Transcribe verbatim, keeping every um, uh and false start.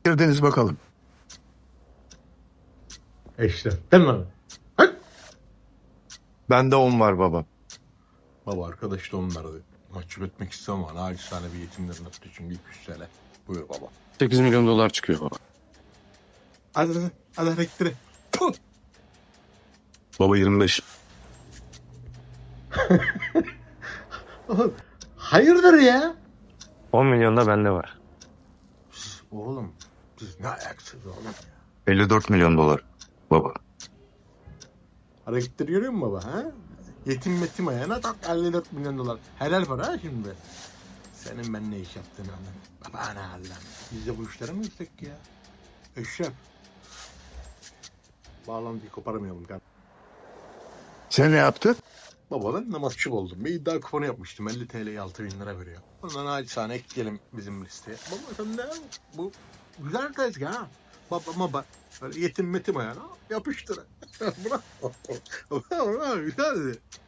girdiniz bakalım? Eşref değil mi abi? Hadi. Bende on var baba. Baba arkadaş da on verdi. Mahcup etmek istemem ama naçizane bir yetimlerin hakkı için bir iki yüz T L. Buyur baba. sekiz milyon dolar çıkıyor baba. Hadi hadi. Hadi elektriği. Puh. Baba yirmi beş. Oğlum, hayırdır ya? on milyon da bende var. Siz, oğlum siz ne ayaksınız oğlum ya? elli dört milyon dolar baba. Hareketleri görüyor musun baba ha? Yetim metim ayağına tak elli dört milyon dolar. Helal para ha şimdi. Senin ben ne iş yaptığını anladım. Baba ne hallem. Biz de bu işlere mi gitsek ya? Eşref. Bağlantıyı koparamayalım kardeşim. Sen ne yaptın? Baba ben namazçı oldum. Bir iddia kuponu yapmıştım. elli T L'ye altı bin lira veriyor. Bundan acizane ekleyelim bizim listeye. Baba sen de bu güzel tezgah ha. Baba baba böyle yetim metim ayağına yapıştır. Bravo. Bravo güzeldi.